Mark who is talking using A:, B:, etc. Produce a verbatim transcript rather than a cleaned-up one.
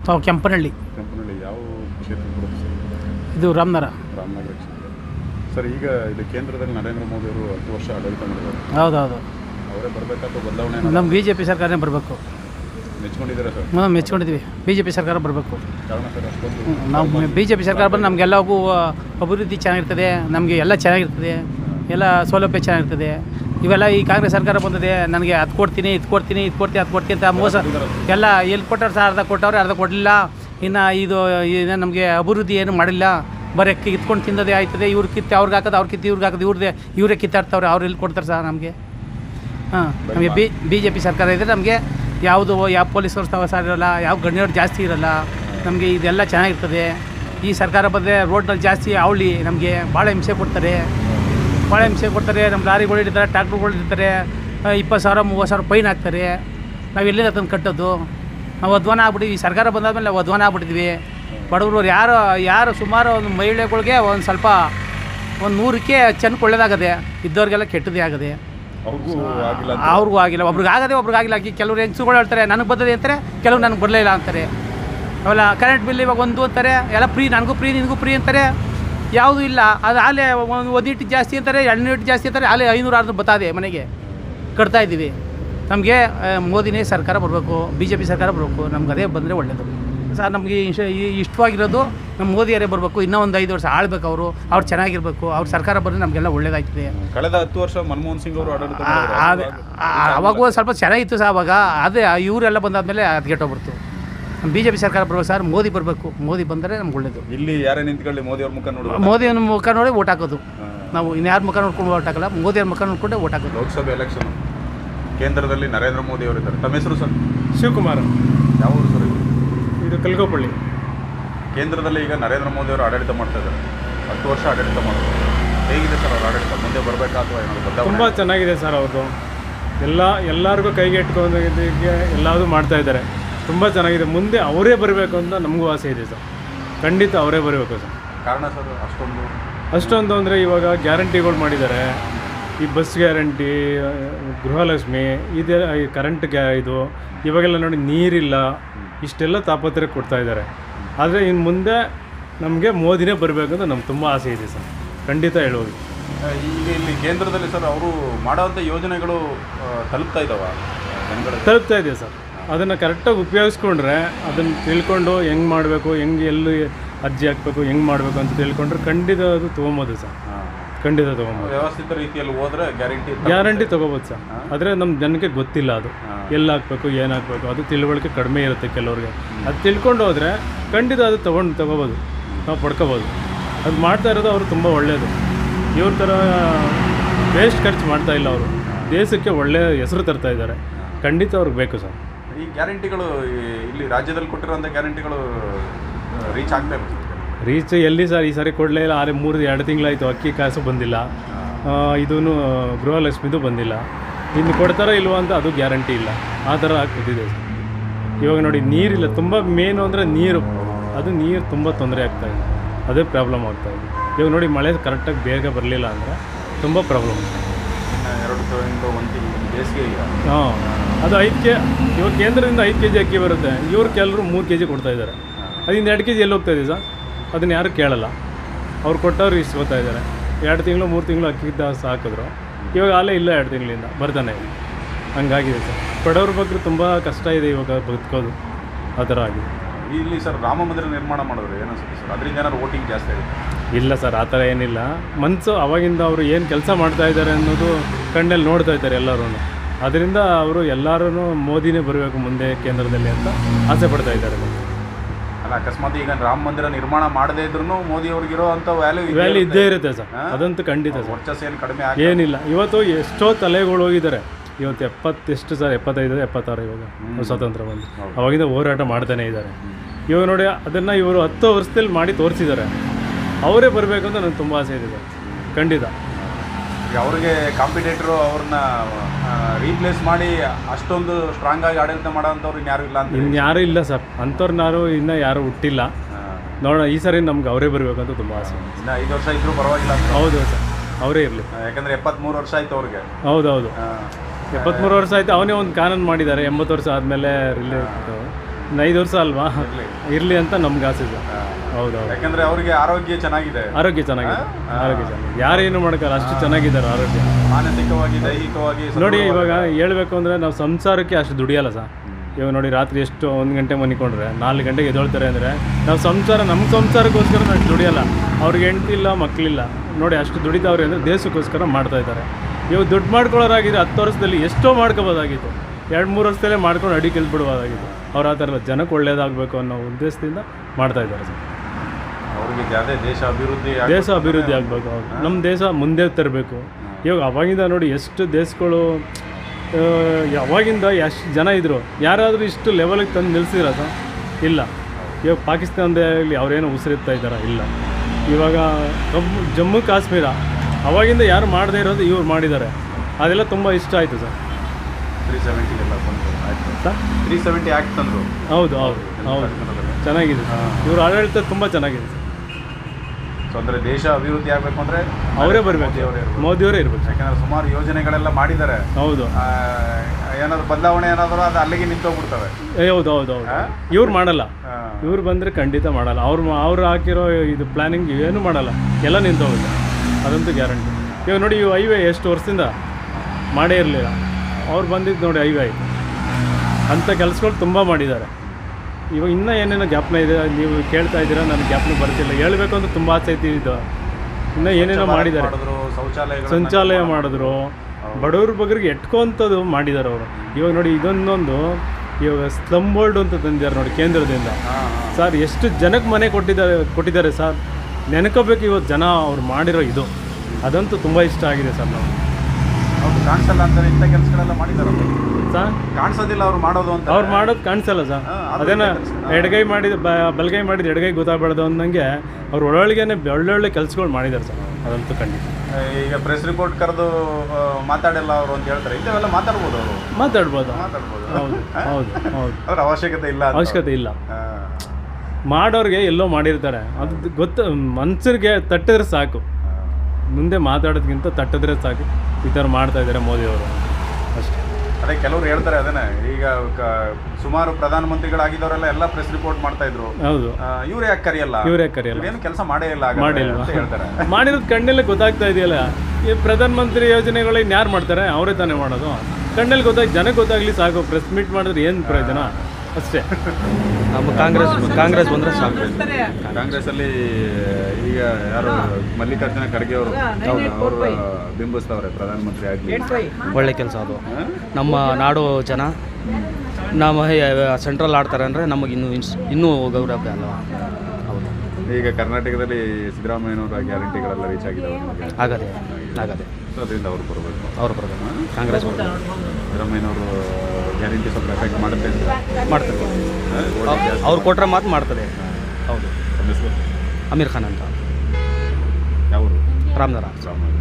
A: ತಾವು ಕೆಂಪನಹಳ್ಳಿ.
B: ಕೆಂಪನಹಳ್ಳಿ ಯಾವ ಕ್ಷೇತ್ರ ಬರುತ್ತೆ ಸರ್?
A: ಇದು ರಾಮನಗರ.
B: ರಾಮನಗರ ಕ್ಷೇತ್ರ. ಸರ್, ಈಗ ಇದು ಕೇಂದ್ರದಲ್ಲಿ ನರೇಂದ್ರ ಮೋದಿ ಅವರು ಹತ್ತು ವರ್ಷ ಆಡಳಿತ ಮಾಡಿದ್ದಾರೆ.
A: ಹೌದೌದು.
B: ಅವರೇ ಬರಬೇಕಾದ ಬದಲಾವಣೆ
A: ನಮ್ಮ ಬಿ ಜೆ ಪಿ ಸರ್ಕಾರನೇ ಬರಬೇಕು.
B: ಮೆಚ್ಕೊಂಡಿದ್ದಾರೆ ಸರ್?
A: ನಾವು ಮೆಚ್ಕೊಂಡಿದ್ದೀವಿ. ಬಿ ಜೆ ಪಿ ಸರ್ಕಾರ ಬರಬೇಕು.
B: ಕಾರಣ ಸರ್ ಅಷ್ಟೊಂದು
A: ನಾವು ಬಿ ಜೆ ಪಿ ಸರ್ಕಾರ ಬಂದು ನಮಗೆಲ್ಲವೂ ಅಭಿವೃದ್ಧಿ ಚೆನ್ನಾಗಿರ್ತದೆ, ನಮಗೆ ಎಲ್ಲ ಚೆನ್ನಾಗಿರ್ತದೆ, ಎಲ್ಲ ಸೌಲಭ್ಯ ಚೆನ್ನಾಗಿರ್ತದೆ. ಇವೆಲ್ಲ ಈ ಕಾಂಗ್ರೆಸ್ ಸರ್ಕಾರ ಬಂದಿದೆ, ನನಗೆ ಅದು ಕೊಡ್ತೀನಿ ಇದು ಕೊಡ್ತೀನಿ ಇದು ಕೊಡ್ತೀನಿ ಅದು ಕೊಡ್ತೀನಿ ಅಂತ ಮೋಸ ಎಲ್ಲ ಎಲ್ಲಿ ಕೊಟ್ಟವ್ರು ಸಹ ಅರ್ಧ ಕೊಟ್ಟವ್ರೆ, ಅರ್ಧ ಕೊಡಲಿಲ್ಲ. ಇನ್ನು ಇದು ಇದು ನಮಗೆ ಅಭಿವೃದ್ಧಿ ಏನು ಮಾಡಿಲ್ಲ, ಬರೀ ಕಿತ್ಕೊಂಡು ತಿನ್ನೋದೇ ಆಯ್ತದೆ. ಇವ್ರು ಕಿತ್ತು ಅವ್ರಿಗೆ ಹಾಕೋದು, ಅವ್ರು ಕಿತ್ತು ಇವ್ರಿಗೆ ಹಾಕೋದು, ಇವ್ರದೇ ಇವರೇ ಕಿತ್ತಾಡ್ತವ್ರೆ. ಅವ್ರು ಎಲ್ಲಿ ಕೊಡ್ತಾರೆ ಸರ್ ನಮಗೆ? ಹಾಂ, ನಮಗೆ ಬಿ ಬಿ ಜೆ ಪಿ ಸರ್ಕಾರ ಇದ್ದರೆ ನಮಗೆ ಯಾವುದು ಯಾವ ಪೊಲೀಸರು ಸಹ ಇರೋಲ್ಲ, ಯಾವ ಗಣ್ಯರು ಜಾಸ್ತಿ ಇರೋಲ್ಲ, ನಮಗೆ ಇದೆಲ್ಲ ಚೆನ್ನಾಗಿರ್ತದೆ. ಈ ಸರ್ಕಾರ ಬಂದರೆ ರೋಡ್ನಲ್ಲಿ ಜಾಸ್ತಿ ಅವಳಿ, ನಮಗೆ ಭಾಳ ಹಿಂಸೆ ಕೊಡ್ತಾರೆ, ಭಾಳ ಹಿಂಸೆ ಕೊಡ್ತಾರೆ. ನಮ್ಮ ಲಾರಿಗಳು ಹಿಡಿತಾರೆ, ಟ್ರ್ಯಾಕ್ಟ್ರುಗಳು ಹಿಡಿತಾರೆ, ಇಪ್ಪತ್ತು ಸಾವಿರ ಮೂವತ್ತು ಸಾವಿರ ಫೈನ್ ಹಾಕ್ತಾರೆ. ನಾವು ಎಲ್ಲಿಂದ ತಂದು ಕಟ್ಟೋದು? ನಾವು ಅಧ್ವಾನ ಆಗ್ಬಿಟ್ಟಿದ್ವಿ. ಈ ಸರ್ಕಾರ ಬಂದಾದ್ಮೇಲೆ ನಾವು ಅಧ್ವಾನ ಆಗ್ಬಿಟ್ಟಿದ್ವಿ. ಬಡವರು ಯಾರು ಯಾರು ಸುಮಾರು ಒಂದು ಮಹಿಳೆಗಳಿಗೆ ಒಂದು ಸ್ವಲ್ಪ ಒಂದು ನೂರಕ್ಕೆ ಚೆನ್ನಕ್ಕೆ ಒಳ್ಳೇದಾಗದೆ, ಇದ್ದವ್ರಿಗೆಲ್ಲ ಕೆಟ್ಟದೇ ಆಗದೆ. ಅವ್ರಿಗೂ ಆಗಿಲ್ಲ, ಒಬ್ರಿಗೆ ಆಗದೆ ಒಬ್ರಿಗೆ ಆಗಿಲ್ಲ. ಕೆಲವರು ಹೆಂಗಸುಗಳು ಹೇಳ್ತಾರೆ ನನಗೆ ಬರ್ತದೆ ಅಂತಾರೆ, ಕೆಲವ್ರು ನನಗೆ ಬರಲೇ ಇಲ್ಲ ಅಂತಾರೆ. ಅವೆಲ್ಲ ಕರೆಂಟ್ ಬಿಲ್ ಇವಾಗ ಒಂದು ಅಂತಾರೆ, ಎಲ್ಲ ಫ್ರೀ, ನನಗೂ ಫ್ರೀ ನಿನಗೂ ಫ್ರೀ ಅಂತಾರೆ. ಯಾವುದೂ ಇಲ್ಲ. ಅದು ಆಲೇ ಒಂದು ಇಟ್ಟು ಜಾಸ್ತಿ ಅಂತಾರೆ, ಎರಡು ಇಟ್ಟು ಜಾಸ್ತಿ ಅಂತಾರೆ. ಆಲೇ ಐನೂರು ಆರುನೂರು ಬತ್ತದೆ ಮನೆಗೆ ಕಟ್ತಾ ಇದ್ದೀವಿ. ನಮಗೆ ಮೋದಿನೇ ಸರ್ಕಾರ ಬರಬೇಕು, ಬಿ ಜೆ ಪಿ ಸರ್ಕಾರ ಬರಬೇಕು. ನಮ್ಗೆ ಅದೇ ಬಂದರೆ ಒಳ್ಳೆಯದು ಸರ್. ನಮಗೆ ಇಷ್ಟ ಇಷ್ಟವಾಗಿರೋದು ನಮ್ಮ ಮೋದಿಯವರೇ ಬರಬೇಕು. ಇನ್ನೂ ಒಂದು ಐದು ವರ್ಷ ಆಳ್ಬೇಕು ಅವರು, ಅವ್ರು ಚೆನ್ನಾಗಿರ್ಬೇಕು. ಅವ್ರ ಸರ್ಕಾರ ಬಂದರೆ ನಮಗೆಲ್ಲ ಒಳ್ಳೇದಾಗ್ತದೆ.
B: ಕಳೆದ ಹತ್ತು ವರ್ಷ ಮನಮೋಹನ್ ಸಿಂಗ್ ಅವರು ಆಡಳಿತ
A: ಅವಾಗ ಸ್ವಲ್ಪ ಚೆನ್ನಾಗಿತ್ತು ಸರ್. ಅವಾಗ ಅದೇ ಇವರೆಲ್ಲ ಬಂದಾದ್ಮೇಲೆ ಅದು ಕೆಟ್ಟೋಗ್ಬಿಡ್ತು. ನಮ್ಮ ಬಿ ಜೆ ಪಿ ಸರ್ಕಾರ ಬರಬೇಕು ಸರ್, ಮೋದಿ ಬರಬೇಕು. ಮೋದಿ ಬಂದರೆ ನಮ್ಗೆ ಒಳ್ಳೇದು.
B: ಇಲ್ಲಿ ಯಾರೇ ನಿಂತ್ಕೊಳ್ಳಿ ಮೋದಿಯವ್ರ ಮುಖ ನೋಡಿ,
A: ಮೋದಿಯವ್ರ ಮುಖ ನೋಡಿ ಓಟ್ ಹಾಕೋದು. ನಾವು ಇನ್ಯಾರ ಮುಖ ನೋಡ್ಕೊಂಡು ಓಟ್ ಹಾಕಲ್ಲ, ಮೋದಿಯವ್ರ ಮುಖ ನೋಡ್ಕೊಂಡೆ ಓಟ್ ಹಾಕೋದು.
B: ಲೋಕಸಭೆ ಎಲೆಕ್ಷನ್ ಕೇಂದ್ರದಲ್ಲಿ ನರೇಂದ್ರ ಮೋದಿ ಅವರು ಇದ್ದಾರೆ. ತಮ್ಮ ಹೆಸರು ಸರ್?
C: ಶಿವಕುಮಾರ್.
B: ಯಾವ ಊರು ಸರ್?
C: ಇದು ಕಲ್ಗೋಪಳ್ಳಿ.
B: ಕೇಂದ್ರದಲ್ಲಿ ಈಗ ನರೇಂದ್ರ ಮೋದಿ ಅವರು ಆಡಳಿತ ಮಾಡ್ತಾ ಇದ್ದಾರೆ. ಹತ್ತು ವರ್ಷ ಆಡಳಿತ ಮಾಡೋದು ಹೇಗಿದೆ ಸರ್ ಅವ್ರ ಆಡಳಿತ? ಮುಂದೆ ಬರಬೇಕಾ ಅಥವಾ ಏನಾದರೂ ಬದಲಾವಣೆ?
C: ತುಂಬ ಚೆನ್ನಾಗಿದೆ ಸರ್ ಅವ್ರದ್ದು. ಎಲ್ಲ ಎಲ್ಲರಿಗೂ ಕೈಗೆ ಇಟ್ಕೊಂಡೋಗಿದ್ದಕ್ಕೆ ಎಲ್ಲದೂ ಮಾಡ್ತಾ ಇದ್ದಾರೆ. ತುಂಬ ಚೆನ್ನಾಗಿದೆ. ಮುಂದೆ ಅವರೇ ಬರಬೇಕು ಅಂತ ನಮಗೂ ಆಸೆ ಇದೆ ಸರ್. ಖಂಡಿತ ಅವರೇ ಬರಬೇಕು ಸರ್.
B: ಕಾರಣ ಸರ್ ಅಷ್ಟೊಂದು
C: ಅಷ್ಟೊಂದು ಅಂದರೆ ಇವಾಗ ಗ್ಯಾರಂಟಿಗಳು ಮಾಡಿದ್ದಾರೆ. ಈ ಬಸ್ ಗ್ಯಾರಂಟಿ, ಗೃಹಲಕ್ಷ್ಮಿ, ಇದೆ ಈ ಕರೆಂಟ್ ಗ್ಯಾ ಇದು ಇವಾಗೆಲ್ಲ ನೋಡಿ ನೀರಿಲ್ಲ, ಇಷ್ಟೆಲ್ಲ ತಾಪತ್ರೆ ಕೊಡ್ತಾ ಇದ್ದಾರೆ. ಆದರೆ ಇನ್ನು ಮುಂದೆ ನಮಗೆ ಮೋದಿನೇ ಬರಬೇಕು ಅಂತ ನಮ್ಗೆ ತುಂಬ ಆಸೆ ಇದೆ ಸರ್. ಖಂಡಿತ ಹೇಳೋದು.
B: ಈಗ ಇಲ್ಲಿ ಕೇಂದ್ರದಲ್ಲಿ ಸರ್ ಅವರು ಮಾಡೋವಂಥ ಯೋಜನೆಗಳು ತಲುಪ್ತಾ ಇದ್ದಾವೆ ಜನಗಳಿಗೆ?
C: ತಲುಪ್ತಾ ಇದೆ ಸರ್. ಅದನ್ನು ಕರೆಕ್ಟಾಗಿ ಉಪಯೋಗಿಸ್ಕೊಂಡ್ರೆ, ಅದನ್ನು ತಿಳ್ಕೊಂಡು ಹೆಂಗೆ ಮಾಡಬೇಕು, ಹೆಂಗೆ ಎಲ್ಲಿ ಅರ್ಜಿ ಹಾಕಬೇಕು, ಹೆಂಗೆ ಮಾಡಬೇಕು ಅಂತ ತಿಳ್ಕೊಂಡ್ರೆ ಖಂಡಿತ ಅದು ತೊಗೊಬೋದು ಸರ್. ಖಂಡಿತ ತೊಗೊಬೋದು.
B: ವ್ಯವಸ್ಥಿತ ರೀತಿಯಲ್ಲಿ ಹೋದರೆ ಗ್ಯಾರಂಟಿ
C: ಗ್ಯಾರಂಟಿ ತೊಗೋಬೋದು ಸರ್. ಆದರೆ ನಮ್ಮ ಜನಕ್ಕೆ ಗೊತ್ತಿಲ್ಲ ಅದು ಎಲ್ಲಿ ಹಾಕ್ಬೇಕು, ಏನು ಹಾಕಬೇಕು, ಅದು ತಿಳುವಳಿಕೆ ಕಡಿಮೆ ಇರುತ್ತೆ ಕೆಲವ್ರಿಗೆ. ಅದು ತಿಳ್ಕೊಂಡು ಹೋದರೆ ಖಂಡಿತ ಅದು ತೊಗೊಂಡು ತೊಗೋಬೋದು, ನಾವು ಪಡ್ಕೋಬೋದು. ಅದು ಮಾಡ್ತಾ ಇರೋದು ಅವರು ತುಂಬ ಒಳ್ಳೆಯದು. ಇವ್ರ ಥರ ವೇಸ್ಟ್ ಖರ್ಚು ಮಾಡ್ತಾ ಇಲ್ಲ ಅವರು. ದೇಶಕ್ಕೆ ಒಳ್ಳೆಯ ಹೆಸರು ತರ್ತಾ ಇದ್ದಾರೆ. ಖಂಡಿತ ಅವ್ರಿಗೆ ಬೇಕು ಸರ್.
B: ಈ ಗ್ಯಾರಂಟಿಗಳು ಇಲ್ಲಿ ರಾಜ್ಯದಲ್ಲಿ ಕೊಟ್ಟಿರೋಂಥ ಗ್ಯಾರಂಟಿಗಳು ರೀಚ್ ಆಗ್ತಾ ಇಲ್ಲ?
C: ರೀಚ್ ಎಲ್ಲಿ ಸರ್? ಈ ಸಾರಿ ಕೊಡಲೇ ಇಲ್ಲ. ಆರೆ ಮೂರು ಎರಡು ತಿಂಗಳಾಯಿತು. ಅಕ್ಕಿ ಕಾಸು ಬಂದಿಲ್ಲ, ಇದೂ ಗೃಹಲಕ್ಷ್ಮಿದು ಬಂದಿಲ್ಲ. ಇನ್ನು ಕೊಡ್ತಾರೋ ಇಲ್ವೋ ಅಂತ ಅದು ಗ್ಯಾರಂಟಿ ಇಲ್ಲ. ಆ ಥರ ಆಗ್ತಿದೆ ಸರ್. ಇವಾಗ ನೋಡಿ ನೀರಿಲ್ಲ. ತುಂಬ ಮೇನು ಅಂದರೆ ನೀರು, ಅದು ನೀರು ತುಂಬ ತೊಂದರೆ ಆಗ್ತಾಯಿದೆ. ಅದೇ ಪ್ರಾಬ್ಲಮ್ ಆಗ್ತಾಯಿದೆ. ಇವಾಗ ನೋಡಿ ಮಳೆ ಕರೆಕ್ಟಾಗಿ ಬೇಗ ಬರಲಿಲ್ಲ ಅಂದರೆ ತುಂಬ ಪ್ರಾಬ್ಲಮ್.
B: ಎರಡು ತಿಂಗಳು ಒಂದು ತಿಂಗಳು ಬೇಸಿಗೆ ಈಗ.
C: ಹಾಂ, ಅದು ಐದು ಕೆ ಇವಾಗ ಕೇಂದ್ರದಿಂದ ಐದು ಕೆ ಜಿ ಅಕ್ಕಿ ಬರುತ್ತೆ. ಇವ್ರು ಕೆಲವರು ಮೂರು ಕೆ ಜಿ ಕೊಡ್ತಾ ಇದ್ದಾರೆ. ಅದರಿಂದ ಎರಡು ಕೆ ಜಿ ಎಲ್ಲಿ ಹೋಗ್ತಾ ಇದೆ ಸರ್? ಅದನ್ನು ಯಾರು ಕೇಳಲ್ಲ. ಅವ್ರು ಕೊಟ್ಟವ್ರು ಇಸ್ಕೊತಾ ಇದ್ದಾರೆ. ಎರಡು ತಿಂಗಳು ಮೂರು ತಿಂಗಳು ಅಕ್ಕಿ ದಾಸ ಹಾಕಿದ್ರು. ಇವಾಗ ಅಲ್ಲೇ ಇಲ್ಲ, ಎರಡು ತಿಂಗಳಿಂದ ಬರ್ತಾನೆ ಇಲ್ಲ. ಹಂಗಾಗಿದೆ ಸರ್. ಬಡವ್ರ ಬಗ್ಗೆ ತುಂಬ ಕಷ್ಟ ಇದೆ ಇವಾಗ ಬದುಕೋದು. ಆ ಥರ ಆಗಿದೆ.
B: ಇಲ್ಲಿ ಸರ್ ರಾಮ ಮಂದಿರ ನಿರ್ಮಾಣ ಮಾಡಿದ್ರು ಏನು ಅನ್ಸುತ್ತೆ ಸರ್? ಅದರಿಂದ ಏನಾದ್ರು ವೋಟಿಂಗ್ ಜಾಸ್ತಿ ಆಗುತ್ತೆ?
C: ಇಲ್ಲ ಸರ್, ಆ ಥರ ಏನಿಲ್ಲ. ಮನಸ್ಸು ಅವಾಗಿಂದ ಅವರು ಏನು ಕೆಲಸ ಮಾಡ್ತಾ ಇದ್ದಾರೆ ಅನ್ನೋದು ಕಣ್ಣಲ್ಲಿ ನೋಡ್ತಾ ಇದ್ದಾರೆ ಎಲ್ಲರೂ. ಅದರಿಂದ ಅವರು ಎಲ್ಲರೂ ಮೋದಿನೇ ಬರಬೇಕು ಮುಂದೆ ಕೇಂದ್ರದಲ್ಲಿ ಅಂತ ಆಸೆ ಪಡ್ತಾ ಇದ್ದಾರೆ.
B: ಅಲ್ಲ, ಅಕಸ್ಮಾತ್ ಈಗ ರಾಮ ಮಂದಿರ ನಿರ್ಮಾಣ ಮಾಡದೇ ಇದ್ರೂ ಮೋದಿ ಅವ್ರಿಗಿರೋ ಅಂಥ ವ್ಯಾಲ್ಯೂ
C: ವ್ಯಾಲ್ಯೂ ಇದ್ದೇ ಇರುತ್ತೆ ಸರ್. ಅದಂತೂ ಖಂಡಿತ ಸರ್.
B: ವರ್ಚಸ್ ಏನು ಕಡಿಮೆ
C: ಏನಿಲ್ಲ. ಇವತ್ತು ಎಷ್ಟೋ ತಲೆಗಳು ಹೋಗಿದ್ದಾರೆ. ಇವತ್ತು ಎಪ್ಪತ್ತೆಷ್ಟು ಸರ್, ಎಪ್ಪತ್ತೈದು ಎಪ್ಪತ್ತಾರು ಇವಾಗ ಸ್ವಾತಂತ್ರ್ಯ ಬಂದು ಅವಾಗಿಂದ ಹೋರಾಟ ಮಾಡ್ತಾನೆ ಇದ್ದಾರೆ. ಇವಾಗ ನೋಡಿ ಅದನ್ನು ಇವರು ಹತ್ತು ವರ್ಷದಲ್ಲಿ ಮಾಡಿ ತೋರಿಸಿದ್ದಾರೆ. ಅವರೇ ಬರಬೇಕು ಅಂತ ನನಗೆ ತುಂಬ ಆಸೆ ಇದೆ ಸರ್. ಖಂಡಿತ.
B: ಅವ್ರಿಗೆ ಕಾಂಪಿಟೇಟರು ಅವ್ರನ್ನ ರೀಪ್ಲೇಸ್ ಮಾಡಿ ಅಷ್ಟೊಂದು ಸ್ಟ್ರಾಂಗ್ ಆಗಿ ಆಡಳಿತ ಮಾಡೋಂಥವ್ರು ಇನ್ಯಾರು ಇಲ್ಲ ಅಂತ?
C: ಇನ್ಯಾರೂ ಇಲ್ಲ ಸರ್. ಅಂಥವ್ರನ್ನಾರು ಇನ್ನೂ ಯಾರೂ ಹುಟ್ಟಿಲ್ಲ. ನೋಡೋಣ, ಈ ಸರಿ ನಮ್ಗೆ ಅವರೇ ಬರಬೇಕು ಅಂತ ತುಂಬ ಆಸೆ.
B: ಇನ್ನು ಐದು ವರ್ಷ ಇದ್ರೂ ಪರವಾಗಿಲ್ಲ.
C: ಹೌದು ಸರ್, ಅವರೇ ಇರಲಿ.
B: ಯಾಕಂದರೆ ಎಪ್ಪತ್ತ್ಮೂರು ವರ್ಷ ಆಯ್ತು ಅವ್ರಿಗೆ.
C: ಹೌದೌದು, ಎಪ್ಪತ್ತ್ಮೂರು ವರ್ಷ ಆಯಿತು. ಅವನೇ ಒಂದು ಕಾನೂನು ಮಾಡಿದ್ದಾರೆ. ಎಂಬತ್ತು ವರ್ಷ ಆದಮೇಲೆ ರಿಲೀಸ್ ಇನ್ನು ಐದು ವರ್ಷ ಅಲ್ವಾ ಇರಲಿ ಅಂತ ನಮ್ಗೆ ಆಸೆ ಸರ್. ಹೌದು ಹೌದು
B: ಯಾಕಂದ್ರೆ ಅವರಿಗೆ ಆರೋಗ್ಯ ಚೆನ್ನಾಗಿದೆ,
C: ಆರೋಗ್ಯ ಚೆನ್ನಾಗಿದೆ, ಆರೋಗ್ಯ ಚೆನ್ನಾಗಿದೆ, ಯಾರೇನು ಮಾಡೋಕ್ಕಲ್ಲ ಅಷ್ಟು ಚೆನ್ನಾಗಿದ್ದಾರೆ ಆರೋಗ್ಯ.
B: ಮಾನಸಿಕವಾಗಿ ದೈಹಿಕವಾಗಿ
C: ನೋಡಿ ಇವಾಗ ಹೇಳ್ಬೇಕು ಅಂದರೆ ನಾವು ಸಂಸಾರಕ್ಕೆ ಅಷ್ಟು ದುಡಿಯಲ್ಲ ಸರ್. ಇವಾಗ ನೋಡಿ ರಾತ್ರಿ ಎಷ್ಟು ಒಂದು ಗಂಟೆ ಮನಿಕೊಂಡ್ರೆ ನಾಲ್ಕು ಗಂಟೆಗೆ ಎದ್ದೇಳ್ತಾರೆ ಅಂದರೆ ನಾವು ಸಂಸಾರ ನಮ್ಮ ಸಂಸಾರಕ್ಕೋಸ್ಕರ ನಾವು ದುಡಿಯಲ್ಲ. ಅವ್ರಿಗೆ ಹೆಂಡ್ತಿ ಇಲ್ಲ ಮಕ್ಕಳಿಲ್ಲ ನೋಡಿ ಅಷ್ಟು ದುಡಿತಾವ್ರೆ ಅಂದರೆ ದೇಶಕ್ಕೋಸ್ಕರ ಮಾಡ್ತಾಯಿದ್ದಾರೆ. ಇವಾಗ ದುಡ್ಡು ಮಾಡ್ಕೊಳ್ಳೋರಾಗಿದೆ ಹತ್ತು ವರ್ಷದಲ್ಲಿ ಎಷ್ಟೋ ಮಾಡ್ಕೋಬೋದಾಗಿತ್ತು, ಎರಡು ಮೂರು ವರ್ಷದಲ್ಲೇ ಮಾಡ್ಕೊಂಡು ಅಡಿ ಕೆಲ್ಬಿಡ್ಬೋದಾಗಿತ್ತು. ಅವ್ರು ಆ ಥರ ಜನಕ್ಕೆ ಒಳ್ಳೇದಾಗಬೇಕು ಅನ್ನೋ ಉದ್ದೇಶದಿಂದ ಮಾಡ್ತಾಯಿದ್ದಾರೆ ಸರ್.
B: ಅವ್ರಿಗೆ ಅದೇ ದೇಶ ಅಭಿವೃದ್ಧಿ
C: ದೇಶ ಅಭಿವೃದ್ಧಿ ಆಗಬೇಕು, ಅವ್ರು ನಮ್ಮ ದೇಶ ಮುಂದೆ ತರಬೇಕು. ಇವಾಗ ಅವಾಗಿಂದ ನೋಡಿ ಎಷ್ಟು ದೇಶಗಳು ಅವಾಗಿಂದ ಎಷ್ಟು ಜನ ಇದ್ದರು, ಯಾರಾದರೂ ಇಷ್ಟು ಲೆವೆಲಿಗೆ ತಂದು ನಿಲ್ಲಿಸಿರ ಸರ್? ಇಲ್ಲ. ಇವಾಗ ಪಾಕಿಸ್ತಾನದೇ ಆಗಲಿ ಅವರೇನೋ ಉಸಿರಿರ್ತಾ ಇದ್ದಾರಾ? ಇಲ್ಲ. ಇವಾಗ ಕಬ್ಬು ಜಮ್ಮು ಕಾಶ್ಮೀರ ಅವಾಗಿಂದ ಯಾರು ಮಾಡದೇ ಇರೋದು ಇವ್ರು ಮಾಡಿದ್ದಾರೆ, ಅದೆಲ್ಲ ತುಂಬ ಇಷ್ಟ ಆಯಿತು ಸರ್.
B: ತ್ರೀ ಸೆವೆಂಟಿಗೆಲ್ಲ ಬಂತು ಆಯ್ತು
C: ಸರ್
B: ತ್ರೀ ಸೆವೆಂಟಿ ಆ್ಯಕ್ಟ್ ತಂದರು.
C: ಹೌದು ಹೌದು ಹೌದು ಚೆನ್ನಾಗಿದೆ ಸರ್. ಇವ್ರ ಆಡಳಿತ ತುಂಬ ಚೆನ್ನಾಗಿದೆ ಸರ್.
B: ಸೊ ಅಂದರೆ ದೇಶ ಅಭಿವೃದ್ಧಿ ಆಗಬೇಕು ಅಂದರೆ
C: ಅವರೇ ಬರಬೇಕು, ಮೋದಿಯವರೇ ಇರಬೇಕು.
B: ಯಾಕಂದರೆ ಸುಮಾರು ಯೋಜನೆಗಳೆಲ್ಲ ಮಾಡಿದ್ದಾರೆ.
C: ಹೌದು
B: ಏನಾದ್ರು ಬದಲಾವಣೆ ಏನಾದರೂ ಅದು ಅಲ್ಲಿಗೆ ನಿಂತೋಗ್ಬಿಡ್ತವೆ.
C: ಹೌದು ಹೌದು ಹೌದು ಇವ್ರು ಮಾಡಲ್ಲ, ಇವ್ರು ಬಂದರೆ ಖಂಡಿತ ಮಾಡಲ್ಲ. ಅವ್ರು ಅವ್ರು ಹಾಕಿರೋ ಇದು ಪ್ಲ್ಯಾನಿಂಗ್ ಏನೂ ಮಾಡಲ್ಲ, ಎಲ್ಲ ನಿಂತೋಗುತ್ತೆ, ಅದಂತೂ ಗ್ಯಾರಂಟಿ. ಇವಾಗ ನೋಡಿ ಇವು ಹೈವೇ ಎಷ್ಟು ವರ್ಷದಿಂದ ಮಾಡೇ ಇರಲಿಲ್ಲ, ಅವ್ರು ಬಂದಿದ್ದು ನೋಡಿ ಹೈವೇ ಆಯಿತು. ಅಂಥ ಕೆಲಸಗಳು ತುಂಬ ಮಾಡಿದ್ದಾರೆ. ಇವಾಗ ಇನ್ನೂ ಏನೇನೋ ಜ್ಞಾಪನ ಇದೆ, ನೀವು ಕೇಳ್ತಾ ಇದ್ದೀರಾ, ನನಗೆ ಜ್ಞಾಪನ ಬರ್ತಿಲ್ಲ. ಹೇಳಬೇಕು ಅಂದ್ರೆ ತುಂಬ ಆಸೆ ಐತಿ. ಇದು ಇನ್ನೂ ಏನೇನೋ ಮಾಡಿದ್ದಾರೆ, ಶೌಚಾಲಯ ಮಾಡಿದ್ರು, ಬಡವ್ರ ಬಗ್ಗರಿಗೆ ಎಟ್ಕೊಂಥದ್ದು ಮಾಡಿದ್ದಾರೆ ಅವರು. ಇವಾಗ ನೋಡಿ ಇದೊಂದೊಂದು ಇವಾಗ ಸ್ಲಮ್ ಬೋರ್ಡ್ ಅಂತ ತಂದಿದ್ದಾರೆ ನೋಡಿ ಕೇಂದ್ರದಿಂದ. ಸರ್ ಎಷ್ಟು ಜನಕ್ಕೆ ಮನೆ ಕೊಟ್ಟಿದ್ದಾರೆ ಕೊಟ್ಟಿದ್ದಾರೆ ಸರ್, ನೆನ್ಕೋಬೇಕು ಇವತ್ತು ಜನ ಅವ್ರು ಮಾಡಿರೋ ಇದು. ಅದಂತೂ ತುಂಬ ಇಷ್ಟ ಆಗಿದೆ ಸರ್. ನಾವು
B: ಅವ್ರು ಕಾಣಿಸಲ್ಲ ಅಂತಾರೆ, ಇಂಥ ಕೆಲಸಗಳೆಲ್ಲ ಮಾಡಿದಾರಲ್ಲ
C: ಸರ್,
B: ಕಾಣಿಸೋದಿಲ್ಲ ಅವ್ರು ಮಾಡೋದು ಅಂತ.
C: ಅವ್ರು ಮಾಡೋದು ಕಾಣಿಸಲ್ಲ ಸರ್. ಅದೇನ ಎಡಗೈ ಮಾಡಿದ ಬಲಗೈ ಮಾಡಿದ ಎಡಗೈ ಗೊತ್ತಾಗ್ಬಾರ್ದು ಅಂದಂಗೆ ಅವ್ರು ಒಳ್ಳೊಳಗೇನೆ ಒಳ್ಳೊಳ್ಳೆ ಕೆಲಸಗಳು ಮಾಡಿದ್ದಾರೆ ಸರ್. ಅದಂತೂ ಖಂಡಿತ.
B: ಈಗ ಪ್ರೆಸ್ ರಿಪೋರ್ಟ್ ಕರೆದು ಮಾತಾಡಲ್ಲ ಅವರು ಅಂತ ಹೇಳ್ತಾರೆ, ಇಂಥವೆಲ್ಲ ಮಾತಾಡ್ಬೋದು, ಅವರು
C: ಮಾತಾಡ್ಬೋದು
B: ಮಾತಾಡ್ಬೋದು.
C: ಹೌದು ಹೌದು ಹೌದು
B: ಅವ್ರ ಅವಶ್ಯಕತೆ ಇಲ್ಲ,
C: ಅವಶ್ಯಕತೆ ಇಲ್ಲ. ಮಾಡೋರಿಗೆ ಎಲ್ಲೋ ಮಾಡಿರ್ತಾರೆ, ಅದು ಗೊತ್ತ ಮನ್ಸರಿಗೆ ತಟ್ಟಿದ್ರೆ ಸಾಕು, ಮುಂದೆ ಮಾತಾಡೋದಕ್ಕಿಂತ ತಟ್ಟಿದ್ರೆ ಸಾಕು. ಈ ಥರ ಮಾಡ್ತಾ ಇದ್ದಾರೆ ಮೋದಿಯವರು ಅಷ್ಟೇ.
B: ಅದೇ ಕೆಲವರು ಹೇಳ್ತಾರೆ ಅದನ್ನೇ, ಈಗ ಸುಮಾರು ಪ್ರಧಾನಮಂತ್ರಿಗಳಾಗಿದ್ದವರೆಲ್ಲ ಎಲ್ಲ ಪ್ರೆಸ್ ರಿಪೋರ್ಟ್ ಮಾಡ್ತಾ ಇದ್ರು.
C: ಹೌದು,
B: ಇವ್ರು ಯಾಕೆ ಕರೆಯಲ್ಲ,
C: ಇವ್ರು ಯಾಕೆ ಕರೆಯಲ್ಲ,
B: ಏನು ಕೆಲಸ ಮಾಡೇ ಇಲ್ಲ
C: ಮಾಡಿಲ್ಲ
B: ಅಂತ ಹೇಳ್ತಾರೆ.
C: ಮಾಡಿರೋದು ಕಣ್ಣಲ್ಲೇ ಗೊತ್ತಾಗ್ತಾ ಇದೆಯಲ್ಲ. ಈ ಪ್ರಧಾನಮಂತ್ರಿ ಯೋಜನೆಗಳು ಇನ್ನು ಯಾರು ಮಾಡ್ತಾರೆ? ಅವರೇ ತಾನೇ ಮಾಡೋದು. ಕಣ್ಣಲ್ಲಿ ಗೊತ್ತಾಗಿ ಜನಕ್ಕೆ ಗೊತ್ತಾಗಲಿ ಸಾಕು. ಪ್ರೆಸ್ ಮೀಟ್ ಮಾಡಿದ್ರೆ ಏನು ಪ್ರಯೋಜನ ಅಷ್ಟೇ.
D: ನಮ್ಮ ಕಾಂಗ್ರೆಸ್ ಕಾಂಗ್ರೆಸ್ ಬಂದರೆ ಸಾಕು.
B: ಕಾಂಗ್ರೆಸ್ಸಲ್ಲಿ ಈಗ ಯಾರು ಮಲ್ಲಿಕಾರ್ಜುನ ಖರ್ಗೆ ಅವರು ಅವರು ಬಿಂಬಿಸ್ತವ್ರೆ ಪ್ರಧಾನಮಂತ್ರಿ ಆಗಲಿ.
D: ಒಳ್ಳೆ ಕೆಲಸ ಅದು. ನಮ್ಮ ನಾಡು ಜನ ನಮ್ಮ ಸೆಂಟ್ರಲ್ ಆಡ್ತಾರೆ ಅಂದರೆ ನಮಗೆ ಇನ್ನೂ ಇನ್ನೂ ಗೌರವ ಅಲ್ವಾ? ಹೌದು.
B: ಈಗ ಕರ್ನಾಟಕದಲ್ಲಿ ಸಿದ್ದರಾಮಯ್ಯನವರ ಗ್ಯಾರಂಟಿಗಳೆಲ್ಲ ರೀಚ್ ಆಗಿದ್ದಾವೆ,
D: ಆಗದೆ ಆಗದೆ
B: ಸೊ ಅದರಿಂದ ಅವ್ರು ಬರಬೇಕು.
D: ಅವ್ರು ಬರಬೇಕು, ಕಾಂಗ್ರೆಸ್ ಬರಬೇಕು.
B: ಸಿದ್ದರಾಮಯ್ಯನವರು ಗ್ಯಾರಂಟಿ ಸ್ವಲ್ಪ ಎಫೆಕ್ಟ್ ಮಾಡುತ್ತೆ
D: ಮಾಡ್ತಾರೆ. ಅವ್ರು ಕೊಟ್ಟರೆ ಮಾತು ಮಾಡ್ತದೆ. ಹೌದು. ಅಮೀರ್ ಖಾನ್ ಅಂತ.
B: ಯಾವರು?
D: ರಾಮನಗರ.
B: ರಾಮನಗರ.